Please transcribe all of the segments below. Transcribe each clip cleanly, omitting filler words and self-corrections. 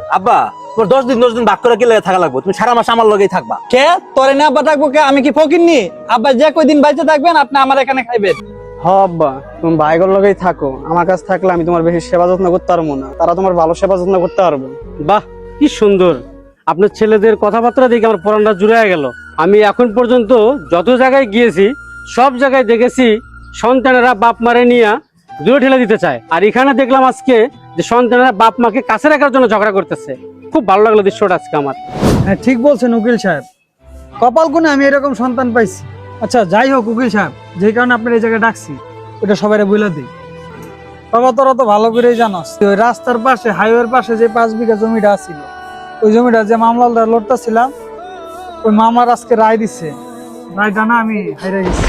আব্বা তোমার 10 দিন ভাগ করে গেলে থাকা লাগবে, তুমি সারা মাস আমার লগেই থাকবা। কে তোরে না আব্বা থাকবো কে? আমি কি ফকিরনি? আব্বা যে কয়দিন বাইচে থাকবেন আপনি আমার এখানে খাইবেন। হ আব্বা, তুমি ভাইগর লগেই থাকো, আমার কাছে থাকলে আমি তোমার বেশি সেবা যত্ন করতে পারবো না, তারা তোমার ভালো সেবা যত্ন করতে পারবে। বাহ, কি সুন্দর! আপনার ছেলেদের কথাবার্তা দেখে আমার পরানটা জুড়ে গেল। আমি এখন পর্যন্ত যত জায়গায় গিয়েছি সব জায়গায় দেখেছি সন্তানেরা বাপ মারে নিয়ে দূরে ঠেলে দিতে চায়, আর এখানে দেখলাম আজকে যে সন্তানেরা বাপ মাকে কাছে রাখার জন্য ঝগড়া করতেছে। খুব ভালো লাগলো দৃশ্যটা আজকে আমার। হ্যাঁ ঠিক বলছেন উকিল সাহেব, কপাল গুনে আমি এরকম সন্তান পাইছি। আচ্ছা যাই হোক উকিল সাহেব, যে কারণে আপনার এই জায়গায় ডাকছি ওটা সবাই বলে দিই। বাবা তোরা তো ভালো করেই জানোস, ওই রাস্তার পাশে হাইওয়ের পাশে যে 5 বিঘা জমিটা ছিল, ওই জমিটা যে মামলাটা লড়তেছিলাম, ওই মামলার আজকে রায় দিচ্ছে। রায়টা না আমি হাইরে গেছি।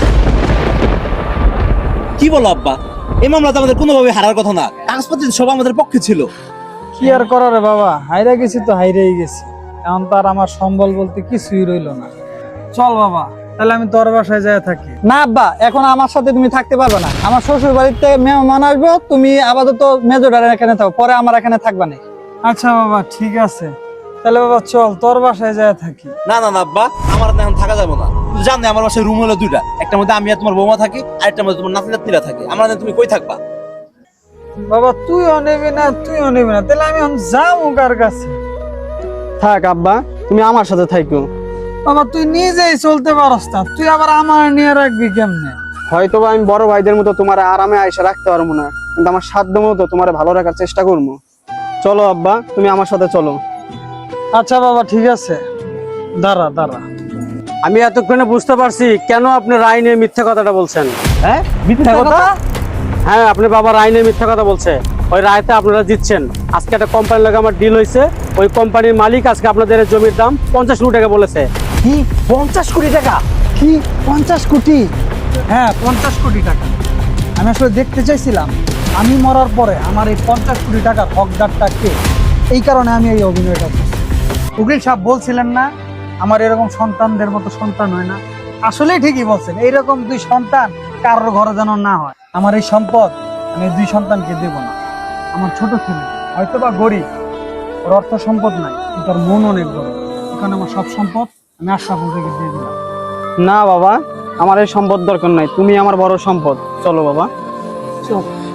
কি বলো আব্বা, এই মামলা তো আমাদের কোনোভাবে হারার কথা না, কাগজপত্র সব আমাদের পক্ষে ছিল। কি আর করার রে বাবা, হাইরে গেছি তো হাইরেই গেছি, এখন তার আমার সম্বল বলতে কিছুই রইলো না। চল বাবা তাহলে আমি তোর বাসায় যাই থাকি। না আব্বা, এখন আমার সাথে তুমি থাকতে পারবে না, আমার শ্বশুর বাড়িতে মেহমান আসবো, তুমি আপাতত মেজোডারের এখানে থাকো, পরে আমার এখানে থাকবা না। আচ্ছা বাবা ঠিক আছে, তাহলে বাবা চল তোর বাসায় যাই থাকি। না না না আব্বা, আমার এখন থাকা যাবে না। তুমি জানো আমার বাসায় রুম হলো 2টা, একটার মধ্যে আমি আর তোমার বৌমা থাকি, আরেকটার মধ্যে তোমার নাতি নাতনিরা থাকে। আমরা তুমি কই থাকবা? বাবা তুইও নেবি না তুইও নেবি না, তাহলে আমি এখন যাবো কার কাছে? থাক আব্বা, তুমি আমার সাথে থাকো। বাবা তুই নিজেই চলতে পারস না, তুই আবার আমার নিয়ে রাখবি কেমনে? হয়তো বা আমি বড় ভাইদের মতো তোমার আরামে আয়সা রাখতে পারবো না, কিন্তু আমার সাধ্য মতো তোমার ভালো রাখার চেষ্টা করবো। চলো আব্বা, তুমি আমার সাথে চলো। আচ্ছা বাবা ঠিক আছে, দাঁড়া দাঁড়া। আমি এতক্ষণে বুঝতে পারছি কেন আপনি রায় নিয়ে মিথ্যা কথাটা বলছেন। হ্যাঁ মিথ্যা কথা? হ্যাঁ, আপনি বাবা রায় নিয়ে মিথ্যা কথা বলছে। ওই রায়তে আপনারা জিতছেন। আজকে একটা কোম্পানির লাগে আমার ডিল হয়েছে, ওই কোম্পানির মালিক আজকে আপনাদের এই জমির দাম 50 কোটি টাকা বলেছে। কি 50 কোটি টাকা? কি 50 কোটি? হ্যাঁ 50 কোটি টাকা। আমি আসলে দেখতে চাইছিলাম আমি মরার পরে আমার এই 50 কোটি টাকার হকদারটা কে, এই কারণে আমি এই অভিনয়টা করছি। উকিল সাহেব বলছিলেন না আমার এরকম সন্তানদের মতো সন্তান হয় না? আসলেই ঠিকই বলছেন, এইরকম 2 সন্তান কারোর ঘরে যেন না হয়। আমার এই সম্পদ আমি 2 সন্তানকে দেব না। আমার ছোট ছেলে হয়তো বা গরিব, ওর অর্থ সম্পদ নাই, কিন্তু ওর মন অনেক বড়, এখানে আমার সব সম্পদ আমি আশরাফুল থেকে দিয়ে দিলাম। না বাবা, আমার এই সম্পদ দরকার নাই, তুমি আমার বড় সম্পদ। চলো বাবা। চল।